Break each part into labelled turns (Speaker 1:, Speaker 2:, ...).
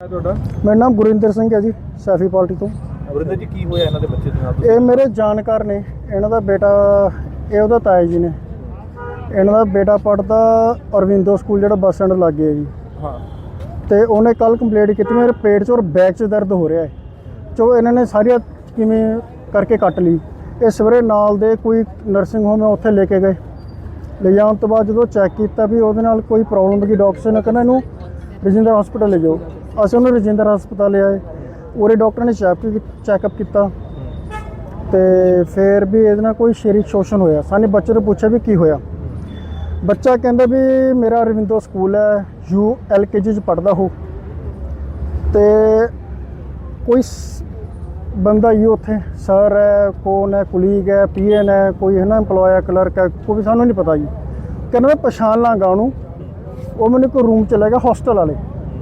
Speaker 1: ਤੁਹਾਡਾ?
Speaker 2: ਮੇਰਾ ਨਾਮ ਗੁਰਿੰਦਰ ਸਿੰਘ ਹੈ ਜੀ, ਸੈਫੀ ਪਾਰਟੀ ਤੋਂ।
Speaker 1: ਗੁਰਿੰਦਰ ਜੀ, ਕੀ ਹੋਇਆ ਇਹਨਾਂ ਦੇ ਬੱਚੇ ਦੇ ਨਾਲ?
Speaker 2: ਇਹ ਮੇਰੇ ਜਾਣਕਾਰ ਨੇ। ਇਹਨਾਂ ਦਾ ਬੇਟਾ, ਇਹ ਉਹਦਾ ਤਾਇਆ ਜੀ ਨੇ। ਇਹਨਾਂ ਦਾ ਬੇਟਾ ਪੜ੍ਹਦਾ ਅਰਵਿੰਦੋ ਸਕੂਲ, ਜਿਹੜਾ ਬੱਸ ਸਟੈਂਡ ਲਾਗੇ ਹੈ ਜੀ।
Speaker 1: ਹਾਂ।
Speaker 2: ਤੇ ਉਹਨੇ ਕੱਲ ਕੰਪਲੇਂਟ ਕੀਤੀ ਮੇਰੇ ਪੇਟ 'ਚ ਔਰ ਬੈਕ 'ਚ ਦਰਦ ਹੋ ਰਿਹਾ ਹੈ। ਚੋ ਇਹਨਾਂ ਨੇ ਸਾਰੀਆਂ ਕਿਵੇਂ ਕਰਕੇ ਕੱਟ ਲਈ। ਇਹ ਸਵੇਰੇ ਨਾਲ ਦੇ ਕੋਈ ਨਰਸਿੰਗ ਹੋਮ ਹੈ, ਉੱਥੇ ਲੈ ਕੇ ਗਏ। ਲੈ ਜਾਣ ਤੋਂ ਬਾਅਦ ਜਦੋਂ ਚੈੱਕ ਕੀਤਾ ਵੀ ਉਹਦੇ ਨਾਲ ਕੋਈ ਪ੍ਰੋਬਲਮ ਦੀ, ਡਾਕਟਰ ਨੇ ਕਹਿੰਦਾ ਇਹਨੂੰ ਰਜਿੰਦਰ ਹਸਪਤਾਲ ਲੈ ਜਾਓ। ਅਸੀਂ ਉਹਨੂੰ ਰਜਿੰਦਰ ਹਸਪਤਾਲ ਲਿਆਏ। ਉਰੇ ਡਾਕਟਰ ਨੇ ਚੈੱਕਅਪ ਕੀਤਾ ਤੇ ਫਿਰ ਵੀ ਇਹਦੇ ਨਾਲ ਕੋਈ ਸਰੀਰਕ ਸ਼ੋਸ਼ਣ ਹੋਇਆ। ਸਾਨੂੰ ਬੱਚੇ ਤੋਂ ਪੁੱਛਿਆ ਵੀ ਕੀ ਹੋਇਆ। ਬੱਚਾ ਕਹਿੰਦਾ ਵੀ ਮੇਰਾ ਅਰਵਿੰਦੋ ਸਕੂਲ ਹੈ, LKG 'ਚ ਪੜ੍ਹਦਾ ਹੋ ਤੇ ਕੋਈ ਬੰਦਾ ਹੀ ਉੱਥੇ ਸਰ ਹੈ, ਕੌਣ ਹੈ, ਕੁਲੀਗ ਹੈ, PN ਹੈ, ਕੋਈ ਹੈ ਨਾ ਇੰਪਲੋਇਆ, ਕਲਰਕ ਹੈ, ਕੋਈ ਵੀ ਸਾਨੂੰ ਨਹੀਂ ਪਤਾ ਜੀ। ਕਹਿੰਦਾ ਮੈਂ ਪਛਾਣ ਲਾਂਗਾ ਉਹਨੂੰ। ਉਹ ਮੈਨੂੰ ਕੋਈ ਰੂਮ 'ਚ ਲੈ ਗਿਆ, ਹੋਸਟਲ ਵਾਲੇ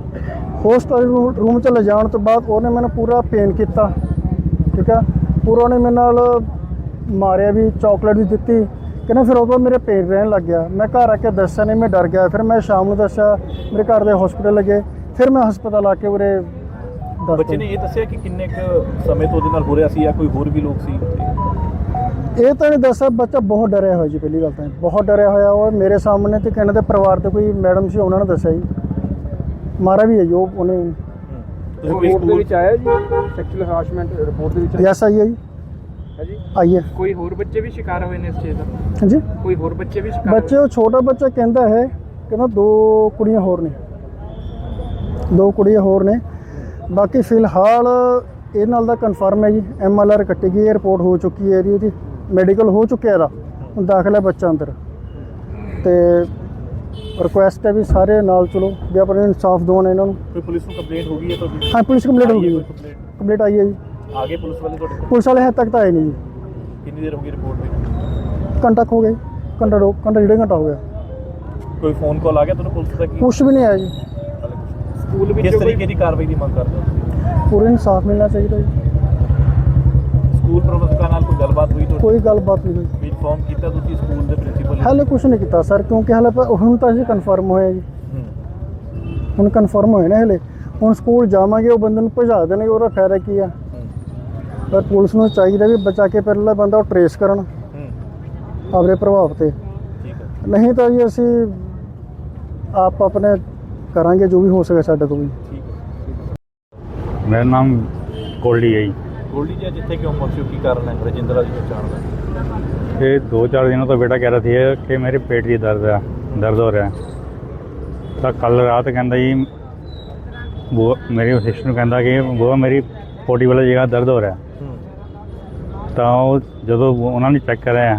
Speaker 2: ਰੂਮ 'ਚ ਲੈ ਜਾਣ ਤੋਂ ਬਾਅਦ ਉਹਨੇ ਮੈਨੂੰ ਪੂਰਾ ਪੇਨ ਕੀਤਾ, ਠੀਕ ਹੈ। ਪੂਰਾ ਉਹਨੇ ਮੇਰੇ ਨਾਲ ਮਾਰਿਆ ਵੀ, ਚਾਕਲੇਟ ਵੀ ਦਿੱਤੀ। ਕਹਿੰਦਾ ਫਿਰ ਉਦੋਂ ਮੇਰੇ ਪੇਨ ਰਹਿਣ ਲੱਗ ਗਿਆ। ਮੈਂ ਘਰ ਆ ਕੇ ਦੱਸਿਆ ਨਹੀਂ, ਮੈਂ ਡਰ ਗਿਆ। ਫਿਰ ਮੈਂ ਸ਼ਾਮ ਨੂੰ ਦੱਸਿਆ, ਮੇਰੇ ਘਰ ਦੇ ਹਸਪੀਟਲ ਲੱਗੇ। ਫਿਰ ਮੈਂ ਹਸਪਤਾਲ ਆ ਕੇ ਉਰੇ
Speaker 1: ਬੱਚੇ ਨੇ ਇਹ ਦੱਸਿਆ ਕਿ ਕਿੰਨੇ ਕੁ ਸਮੇਂ ਤੋਂ ਉਹਦੇ ਨਾਲ ਹੋ ਰਿਹਾ ਸੀ ਜਾਂ ਕੋਈ ਹੋਰ ਵੀ ਲੋਕ ਸੀ ਉੱਥੇ?
Speaker 2: ਇਹ ਤਾਂ ਨਹੀਂ ਦੱਸਿਆ। ਬੱਚਾ ਬਹੁਤ ਡਰਿਆ ਹੋਇਆ ਜੀ। ਪਹਿਲੀ ਗੱਲ ਤਾਂ ਬਹੁਤ ਡਰਿਆ ਹੋਇਆ ਉਹ ਮੇਰੇ ਸਾਹਮਣੇ। ਤੇ ਕਹਿੰਦੇ ਦੇ ਪਰਿਵਾਰ ਦੇ ਕੋਈ ਮੈਡਮ ਸੀ, ਉਹਨਾਂ ਨੇ ਦੱਸਿਆ ਜੀ। ਮਾਰਾ ਵੀ ਹੈ ਜੀ ਉਹਨੇ।
Speaker 1: ਰਿਪੋਰਟ ਦੇ ਵਿੱਚ ਆਇਆ ਜੀ ਸੈਕਸ਼ੂਅਲ ਹਰਾਸਮੈਂਟ ਰਿਪੋਰਟ ਦੇ ਵਿੱਚ?
Speaker 2: ਯੈਸ ਆਈ ਹੈ ਜੀ।
Speaker 1: ਹੈ ਜੀ,
Speaker 2: ਆਈ ਹੈ।
Speaker 1: ਕੋਈ ਹੋਰ ਬੱਚੇ ਵੀ ਸ਼ਿਕਾਰ ਹੋਏ ਨੇ ਇਸ ਚੀਜ਼ ਦਾ?
Speaker 2: ਹਾਂਜੀ,
Speaker 1: ਕੋਈ ਹੋਰ ਬੱਚੇ ਵੀ ਸ਼ਿਕਾਰ?
Speaker 2: ਬੱਚੇ, ਉਹ ਛੋਟਾ ਬੱਚਾ ਕਹਿੰਦਾ ਹੈ, ਕਹਿੰਦਾ 2 ਕੁੜੀਆਂ ਹੋਰ ਨੇ, 2 ਕੁੜੀਆਂ ਹੋਰ ਨੇ। ਬਾਕੀ ਫਿਲਹਾਲ ਇਹ ਨਾਲ ਦਾ ਕਨਫਰਮ ਹੈ ਜੀ। MLR ਕੱਟੀ ਗਈ ਹੈ, ਰਿਪੋਰਟ ਹੋ ਚੁੱਕੀ ਹੈ ਇਹਦੀ ਮੈਡੀਕਲ ਹੋ ਚੁੱਕਿਆ ਇਹਦਾ। ਹੁਣ ਦਾਖਲ ਹੈ ਬੱਚਾ ਅੰਦਰ। ਤੇ ਰਿਕੁਐਸਟ ਹੈ ਵੀ ਸਾਰੇ ਨਾਲ ਚਲੋ, ਵੀ ਆਪਣੇ ਇਨਸਾਫ ਦਿਵਾਉਣ ਇਹਨਾਂ ਨੂੰ।
Speaker 1: ਕੋਈ ਪੁਲਿਸ ਨੂੰ ਕੰਪਲੇਂਟ ਹੋ ਗਈ ਹੈ ਤੁਹਾਡੀ?
Speaker 2: ਹਾਂ, ਪੁਲਿਸ ਕੰਪਲੇਂਟ ਹੋ ਗਈ ਹੈ। ਕੰਪਲੇਂਟ ਆਈ ਹੈ ਜੀ।
Speaker 1: ਆ ਗਏ ਪੁਲਿਸ ਵਾਲੇ ਤੁਹਾਡੇ?
Speaker 2: ਪੁਲਿਸ ਵਾਲੇ ਹੱਦ ਤੱਕ ਤਾਂ ਆਏ ਨਹੀਂ ਜੀ।
Speaker 1: ਕਿੰਨੀ ਦੇਰ ਹੋ ਗਈ ਰਿਪੋਰਟ ਵਿੱਚ?
Speaker 2: ਘੰਟਾ ਹੋ ਗਿਆ ਜੀ। ਘੰਟਾ 1.5 ਘੰਟਾ ਹੋ ਗਿਆ।
Speaker 1: ਕੋਈ ਫੋਨ ਕਾਲ ਆ ਗਿਆ ਤੁਹਾਨੂੰ ਪੁਲਿਸ ਦਾ?
Speaker 2: ਕੁਛ ਵੀ ਨਹੀਂ ਆਇਆ ਜੀ।
Speaker 1: ਸਕੂਲ ਵਿੱਚ ਕਿਸ ਤਰੀਕੇ ਦੀ ਕਾਰਵਾਈ ਦੀ ਮੰਗ ਕਰਦੇ ਹੋ?
Speaker 2: ਪੂਰਾ ਇਨਸਾਫ ਮਿਲਣਾ ਚਾਹੀਦਾ ਜੀ।
Speaker 1: ਸਕੂਲ ਪ੍ਰਬੰਧਕਾਂ ਨਾਲ ਕੋਈ ਗੱਲਬਾਤ ਹੋਈ ਤੁਹਾਡੀ?
Speaker 2: ਕੋਈ ਗੱਲਬਾਤ ਨਹੀਂ ਹੋਈ।
Speaker 1: ਵੀ ਇਨਫੋਰਮ ਕੀਤਾ ਤੁਸੀਂ ਸਕੂਲ ਦੇ ਪ੍ਰਿੰਸੀਪਲ?
Speaker 2: ਹਾਲੇ ਕੁਛ ਨਹੀਂ ਕੀਤਾ ਸਰ, ਕਿਉਂਕਿ ਹਾਲੇ ਹੁਣ ਤਾਂ ਜੀ ਕਨਫਰਮ ਹੋਇਆ ਜੀ। ਹੁਣ ਕਨਫਰਮ ਹੋਇਆ ਨਾ। ਹਲੇ ਹੁਣ ਸਕੂਲ ਜਾਵਾਂਗੇ, ਉਹ ਬੰਦੇ ਨੂੰ ਭਜਾ ਦੇਣਗੇ, ਉਹਦਾ ਫਾਇਦਾ ਕੀ ਆ। ਪਰ ਪੁਲਿਸ ਨੂੰ ਚਾਹੀਦਾ ਵੀ ਬਚਾ ਕੇ ਪਹਿਲਾਂ ਬੰਦਾ ਉਹ ਟਰੇਸ ਕਰਨ ਆਪਣੇ ਪ੍ਰਭਾਵ ਤੇ। ਨਹੀਂ ਤਾਂ ਜੀ ਅਸੀਂ ਆਪ ਆਪਣੇ ਕਰਾਂਗੇ ਜੋ ਵੀ ਹੋ ਸਕੇ ਸਾਡੇ ਤੋਂ ਵੀ।
Speaker 3: ਮੇਰਾ ਨਾਮ ਗੋਲਡੀ ਹੈ ਜੀ।
Speaker 1: ਗੋਲਡੀ ਜੀ, ਜਿੱਥੇ ਕਿਉਂ ਪਹੁੰਚੇ, ਕੀ ਕਾਰਨ ਹੈ ਰਜਿੰਦਰਾ ਜੀ ਪਛਾਣ ਦਾ?
Speaker 3: ਇਹ 2-4 ਦਿनों तो बेटा कह रहा था कि मेरे पेट की दर्द हो रहा है। तो कल रात कहता जी वो मेरी सिस्टर कहता कि वो मेरी पोटी वाली जगह दर्द हो रहा है। तो जो उन्होंने चेक कराया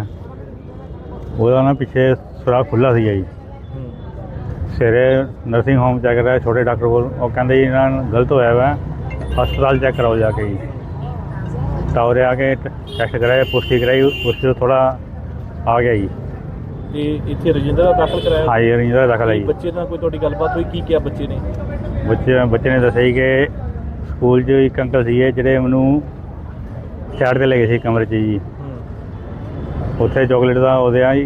Speaker 3: ਉਹਦਾ ਨਾ ਪਿੱਛੇ ਸੁਰਾਖ ਖੁੱਲ੍ਹਾ ਸੀਗਾ ਜੀ। ਸਵੇਰੇ ਨਰਸਿੰਗ ਹੋਮ ਚੈੱਕ ਕਰਾਇਆ ਛੋਟੇ ਡਾਕਟਰ ਕੋਲ। ਉਹ ਕਹਿੰਦੇ ਜੀ ਇਹਨਾਂ ਨਾਲ ਗਲਤ ਹੋਇਆ ਵਾ, ਹਸਪਤਾਲ ਚੈੱਕ ਕਰਾਓ ਜਾ ਕੇ ਜੀ। ਤਾਂ ਉਰੇ ਆ ਕੇ ਟੈਸਟ ਕਰਾਇਆ, ਪੁਸ਼ਟੀ ਕਰਾਈ, ਪੁਸ਼ਟੀ ਤੋਂ ਥੋੜਾ ਆ ਗਿਆ ਜੀ।
Speaker 1: ਇਹ ਇੱਥੇ ਰਜਿੰਦਰਾ ਦਾਖਲ ਕਰਾਇਆ?
Speaker 3: ਹਾਂ ਜੀ, ਰਜਿੰਦਰਾ ਦਾਖਲ ਹੈ ਜੀ।
Speaker 1: ਬੱਚੇ ਨਾਲ ਕੋਈ ਤੁਹਾਡੀ ਗੱਲਬਾਤ ਹੋਈ? ਕੀ ਕਿਹਾ ਬੱਚੇ ਨੇ?
Speaker 3: ਬੱਚੇ ਨੇ ਦੱਸਿਆ ਜੀ ਕਿ ਸਕੂਲ 'ਚ ਇੱਕ ਅੰਕਲ ਸੀਗੇ ਜਿਹੜੇ ਮੈਨੂੰ ਸਾਈਡ 'ਤੇ ਲੈ ਗਏ ਸੀ ਕਮਰੇ 'ਚ ਜੀ। ਉੱਥੇ ਚੋਕਲੇਟ ਦਾ ਉਹਦੇ ਆ ਜੀ,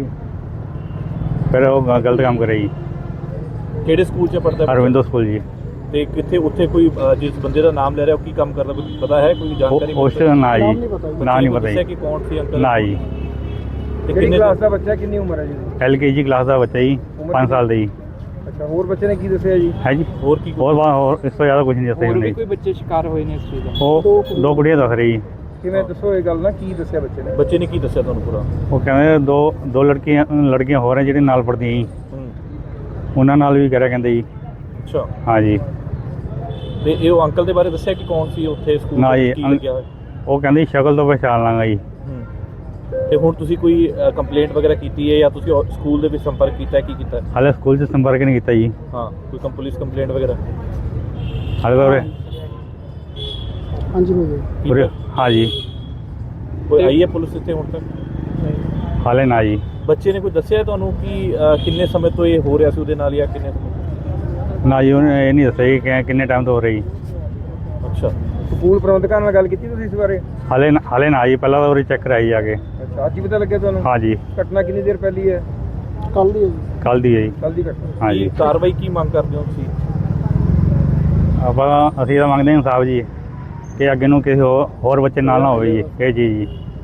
Speaker 3: ਫਿਰ ਉਹ ਗਲਤ ਕੰਮ ਕਰਿਆ ਜੀ।
Speaker 1: ਕਿਹੜੇ ਸਕੂਲ 'ਚ ਪੜ੍ਹਦਾ?
Speaker 3: ਅਰਵਿੰਦੋ ਸਕੂਲ ਜੀ।
Speaker 1: ਤੇ ਕਿੱਥੇ ਉੱਥੇ ਕੋਈ ਜਿਸ ਬੰਦੇ ਦਾ ਨਾਮ ਲੈ ਰਿਹਾ ਉਹ ਕੀ ਕੰਮ ਕਰਦਾ, ਕੋਈ ਪਤਾ ਹੈ? ਕੋਈ ਜਾਣਕਾਰੀ?
Speaker 3: ਉਸ ਨਾ ਜੀ, ਨਾ ਨਹੀਂ ਪਤਾ ਜੀ।
Speaker 1: ਕਿ ਕੌਣ ਸੀ ਅੰਕਲ?
Speaker 3: ਨਾ ਜੀ।
Speaker 1: ਤੇ ਕਿੰਨੇ ਕਲਾਸ ਦਾ ਬੱਚਾ, ਕਿੰਨੀ ਉਮਰ ਹੈ ਜੀ?
Speaker 3: LKG ਕਲਾਸ ਦਾ ਬੱਚਾ ਜੀ, 5 ਸਾਲ ਦਾ ਜੀ।
Speaker 1: ਅੱਛਾ, ਹੋਰ ਬੱਚੇ ਨੇ ਕੀ ਦੱਸਿਆ ਜੀ? ਹੈ ਜੀ, ਹੋਰ ਕੀ?
Speaker 3: ਹੋਰ ਇਸ ਤੋਂ ਜ਼ਿਆਦਾ ਕੁਝ ਨਹੀਂ ਦੱਸਿਆ ਜੀ।
Speaker 1: ਕੋਈ ਬੱਚੇ ਸ਼ਿਕਾਰ ਹੋਏ ਨੇ ਇਸ ਚੀਜ਼ ਦਾ?
Speaker 3: ਉਹ 2 ਕੁੜੀਆਂ ਦੱਸ ਰਹੀ ਜੀ।
Speaker 1: ਕਿਵੇਂ ਦੱਸੋ ਇਹ ਗੱਲ ਨਾ, ਕੀ ਦੱਸਿਆ ਬੱਚੇ ਨੇ? ਬੱਚੇ ਨੇ ਕੀ ਦੱਸਿਆ ਤੁਹਾਨੂੰ ਪੂਰਾ?
Speaker 3: ਉਹ ਕਹਿੰਦੇ ਦੋ ਲੜਕੀਆਂ ਹੋਰ ਹੈ ਜਿਹੜੇ ਨਾਲ ਪੜ੍ਹਦੀਆਂ ਜੀ, ਉਹਨਾਂ ਨਾਲ ਵੀ ਕਰਿਆ ਕਹਿੰਦੇ ਜੀ।
Speaker 1: ਅੱਛਾ,
Speaker 3: ਹਾਂ ਜੀ।
Speaker 1: ਤੇ ਇਹ ਉਹ ਅੰਕਲ ਦੇ ਬਾਰੇ ਦੱਸਿਆ ਕਿ ਕੌਣ ਸੀ ਉੱਥੇ ਸਕੂਲ
Speaker 3: ਨਾ ਜੀ,
Speaker 1: ਕੀ ਲੱਗਿਆ ਹੋਇਆ?
Speaker 3: ਉਹ ਕਹਿੰਦੇ ਸ਼ਕਲ ਤੋਂ ਪਛਾਣ ਲਾਂਗਾ ਜੀ।
Speaker 1: ਤੇ ਹੁਣ ਤੁਸੀਂ ਕੋਈ ਕੰਪਲੇਂਟ ਵਗੈਰਾ ਕੀਤੀ ਹੈ ਜਾਂ ਤੁਸੀਂ ਸਕੂਲ ਦੇ ਵਿੱਚ ਸੰਪਰਕ ਕੀਤਾ, ਕੀ ਕੀਤਾ?
Speaker 3: ਹਾਲੇ ਸਕੂਲ 'ਚ ਸੰਪਰਕ ਨਹੀਂ ਕੀਤਾ ਜੀ।
Speaker 1: ਹਾਂ, ਕੋਈ ਪੁਲਿਸ ਕੰਪਲੇਂਟ ਵਗੈਰਾ?
Speaker 3: ਹਾਲੇ ਤਾਂ
Speaker 2: ਹਾਂਜੀ
Speaker 3: ਉਰੇ ਹਾਂ ਜੀ।
Speaker 1: ਕੋਈ ਆਈ ਹੈ ਪੁਲਿਸ ਇੱਥੇ ਹੁਣ ਤੱਕ?
Speaker 3: ਹਾਲੇ ਨਾ ਜੀ।
Speaker 1: ਬੱਚੇ ਨੇ ਕੋਈ ਦੱਸਿਆ ਤੁਹਾਨੂੰ ਕਿ ਕਿੰਨੇ ਸਮੇਂ ਤੋਂ ਇਹ ਹੋ ਰਿਹਾ ਸੀ ਉਹਦੇ ਨਾਲ ਜਾਂ ਕਿੰਨੇ ਸਮੇਂ?
Speaker 3: ਨਾ ਜੀ, ਉਹਨੇ ਇਹ ਨਹੀਂ ਦੱਸਿਆ ਜੀ ਕਿ ਕਿੰਨੇ ਟਾਈਮ ਤੋਂ ਹੋ ਰਹੀ।
Speaker 1: ਅੱਛਾ, ਸਕੂਲ ਪ੍ਰਬੰਧਕਾਂ ਨਾਲ ਗੱਲ ਕੀਤੀ ਤੁਸੀਂ ਇਸ ਬਾਰੇ?
Speaker 3: ਹਾਲੇ ਨਾ ਜੀ, ਪਹਿਲਾਂ ਤਾਂ ਉਰੇ ਚੈੱਕ ਕਰਾਈ ਜਾ ਕੇ।
Speaker 1: ਅੱਛਾ, ਅੱਜ ਹੀ ਪਤਾ ਲੱਗਿਆ ਤੁਹਾਨੂੰ?
Speaker 3: ਹਾਂ ਜੀ।
Speaker 1: ਘਟਨਾ ਕਿੰਨੀ ਦੇਰ ਪਹਿਲੀ ਹੈ?
Speaker 2: ਕੱਲ ਦੀ ਹੈ ਜੀ।
Speaker 3: ਕੱਲ ਦੀ ਹੈ ਜੀ।
Speaker 1: ਕੱਲ ਦੀ ਘਟਨਾ?
Speaker 3: ਹਾਂ ਜੀ।
Speaker 1: ਕਾਰਵਾਈ ਕੀ ਮੰਗ ਕਰਦੇ ਹੋ ਤੁਸੀਂ?
Speaker 3: ਆਪਾਂ ਅਸੀਂ ਤਾਂ ਮੰਗਦੇ ਹਾਂ ਇਨਸਾਫ ਜੀ ਕਿ ਅੱਗੇ ਨੂੰ ਕਿਸੇ ਹੋਰ ਬੱਚੇ ਨਾਲ ਨਾ ਹੋਵੇ ਜੀ ਇਹ ਚੀਜ਼ ਜੀ।